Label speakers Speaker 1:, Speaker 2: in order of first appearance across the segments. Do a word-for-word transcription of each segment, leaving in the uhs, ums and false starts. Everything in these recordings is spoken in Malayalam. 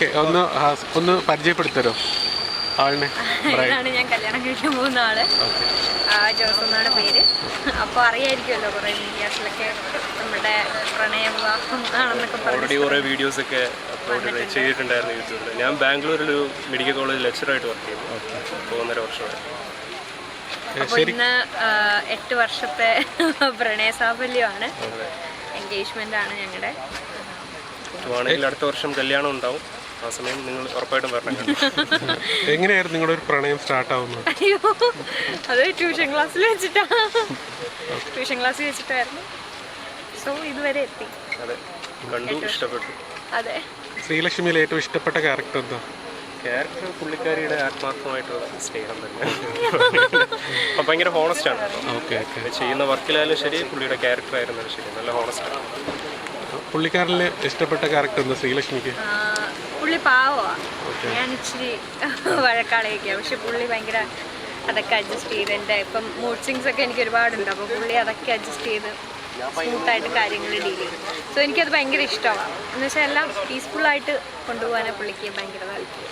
Speaker 1: ഓക്കെ, ഒന്ന് ഒന്ന് പരിചയപ്പെടുത്തരോ ആളിനെ?
Speaker 2: ഇതാണ് ഞാൻ കല്യാണം കഴിക്കാൻ പോകുന്ന ആള്. ജോസ് എന്നാണ് പേര്. അപ്പോൾ അറിയായിരിക്കുമല്ലോ കുറേ മീഡിയാസിലൊക്കെ നമ്മുടെ പ്രണയ വിവാഹം ആണെന്നൊക്കെ
Speaker 3: ഓൾറെഡി കുറേ വീഡിയോസ് ഒക്കെ അപ്ലോഡ് ചെയ്തിട്ടുണ്ടായിരുന്നു യൂട്യൂബിൽ. ഞാൻ ബാംഗ്ലൂരിലൊരു മെഡിക്കൽ കോളേജ് ലെക്ചറായിട്ട് വർക്ക് ചെയ്യുന്നു അപ്പോൾ ഒന്നര വർഷമായി.
Speaker 2: അപ്പോൾ ഇന്ന് എട്ട് വർഷത്തെ പ്രണയ സാഫല്യമാണ്, എൻഗേജ്മെന്റ് ആണ് ഞങ്ങളുടെ.
Speaker 3: ആണെങ്കിൽ അടുത്ത വർഷം കല്യാണം ഉണ്ടാവും, ആ സമയം നിങ്ങൾ ഉറപ്പായിട്ടും വരണം.
Speaker 1: എങ്ങനെയായിരുന്നു നിങ്ങളുടെ ഒരു പ്രണയം സ്റ്റാർട്ട് ആവുന്നത്?
Speaker 2: അയ്യോ, അത് ട്യൂഷൻ ക്ലാസ്സിൽ വെച്ചിട്ടാ ട്യൂഷൻ ക്ലാസ്സിൽ വെച്ചിട്ടായിരുന്നു. സോ ഇതുവരെ എത്തി.
Speaker 3: അതെ, കണ്ടു, ഇഷ്ടപ്പെട്ടു.
Speaker 2: അതെ.
Speaker 1: ശ്രീലക്ഷ്മിയിൽ ഏറ്റവും ഇഷ്ടപ്പെട്ട ക്യാരക്ടർ എന്താ?
Speaker 3: ക്യാരക്ടർ പുള്ളിക്കാരിയുടെ ആത്മാർത്ഥമായിട്ടുള്ള സ്നേഹം തന്നെ. അപ്പം ഭയങ്കര ഹോണസ്റ്റ് ആണ്.
Speaker 1: Okay okay.
Speaker 3: ചെയ്യുന്ന വർക്കിലായാലും ശരി, പുള്ളിയുടെ ക്യാരക്ടർ ആയിരുന്നാലും ശരി, നല്ല ഹോണസ്റ്റ് ആണ്.
Speaker 1: പുള്ളിക്കാരിൽ ഇഷ്ടപ്പെട്ട ക്യാരക്ടർ എന്താ ശ്രീലക്ഷ്മിക്ക്?
Speaker 2: പുള്ളി പാവമാണ്. ഞാൻ ഇച്ചിരി വഴക്കാളയൊക്കെയാണ്, പക്ഷെ പുള്ളി ഭയങ്കര അതൊക്കെ അഡ്ജസ്റ്റ് ചെയ്ത് എൻ്റെ ഇപ്പം മൂഡ് സ്വിങ്സ് ഒക്കെ എനിക്ക് ഒരുപാടുണ്ട്. അപ്പോൾ പുള്ളി അതൊക്കെ അഡ്ജസ്റ്റ് ചെയ്ത് സ്മൂത്തായിട്ട് കാര്യങ്ങൾ ഡീൽ ചെയ്യും. സോ എനിക്കത് ഭയങ്കര ഇഷ്ടമാണ്. എന്ന് വെച്ചാൽ എല്ലാം പീസ്ഫുള്ളായിട്ട് കൊണ്ടുപോകാൻ പുള്ളിക്ക് ഭയങ്കര താല്പര്യം.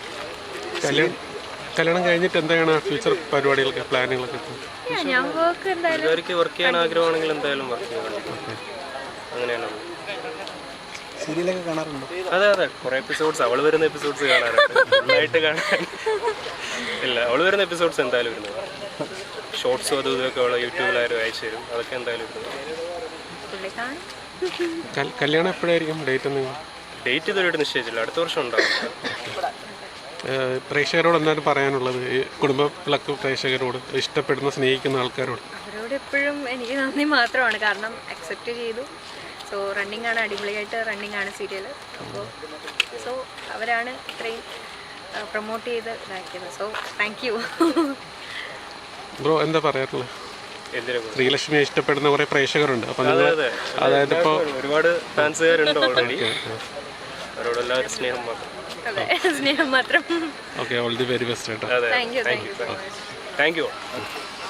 Speaker 1: കല്യാണം കഴിഞ്ഞിട്ട് എന്താണ് ഫ്യൂച്ചർ പരിപാടികളൊക്കെ, പ്ലാനുകളൊക്കെ?
Speaker 2: ഞാൻ വർക്ക് എന്തായാലും
Speaker 3: വർക്ക് ചെയ്യാൻ ആഗ്രഹമാണെങ്കിൽ എന്തായാലും വർക്ക് ചെയ്യാൻ അങ്ങനെയാണ്.
Speaker 1: സീരിയലൊക്കെ കാണാറുണ്ടോ?
Speaker 3: അതെ അതെ, കുറെ എപ്പിസോഡ്സ് അവൾ വരുന്ന എപ്പിസോഡ്സ് കാണാറുണ്ട്. ഫുള്ളായിട്ട് കാണാൻ ഇല്ല, അവൾ വരുന്ന എപ്പിസോഡ്സ് എന്തായാലും വരുന്നത്. ഷോർട്സും അതും ഇതൊക്കെ അവൾ യൂട്യൂബിലായാലും അയച്ചു തരും, അതൊക്കെ എന്തായാലും വരുന്നത്.
Speaker 1: കല്യാണം എപ്പോഴായിരിക്കും ഡേറ്റ്? നിങ്ങൾ
Speaker 3: ഡേറ്റ് ഇതുവരെയായിട്ട് നിശ്ചയിച്ചില്ല, അടുത്ത വർഷം ഉണ്ടാവും.
Speaker 1: പ്രേക്ഷകരോട് എന്താണ് പറയാനുള്ളത്? ഈ കുടുംബത്തിലൊക്കെ പ്രേക്ഷകരോട്, ഇഷ്ടപ്പെടുന്ന സ്നേഹിക്കുന്ന ആൾക്കാരോട്?
Speaker 2: അവരോട് എപ്പോഴും എനിക്ക് നന്ദി മാത്രമാണ്. കാരണം അക്സെപ്റ്റ് ചെയ്തു. സോ റണ്ണിങ് ആണ്, അടിപൊളിയായിട്ട് റണ്ണിങ് ആണ് സീരിയൽ. അപ്പോൾ സോ അവരാണ് ഇത്രയും പ്രൊമോട്ട് ചെയ്ത് ഇതാക്കിയത്. So thank you.
Speaker 1: ബ്രോ എന്താ പറയാറുള്ളത്?
Speaker 3: എന്തിനാ
Speaker 1: ശ്രീലക്ഷ്മിയെ ഇഷ്ടപ്പെടുന്ന കുറെ പ്രേക്ഷകരുണ്ട്. അപ്പം അതായത് ഇപ്പോൾ
Speaker 3: ഒരുപാട് ഫാൻസുകാരുണ്ട് ഓൾറെഡി. അവരോട് എല്ലാവരും സ്നേഹം മാത്രം.
Speaker 2: അതെ, സ്നേഹം മാത്രം.
Speaker 1: Okay, all the very best കേട്ടോ.
Speaker 3: അതെ,
Speaker 2: thank you thank you
Speaker 3: thank U.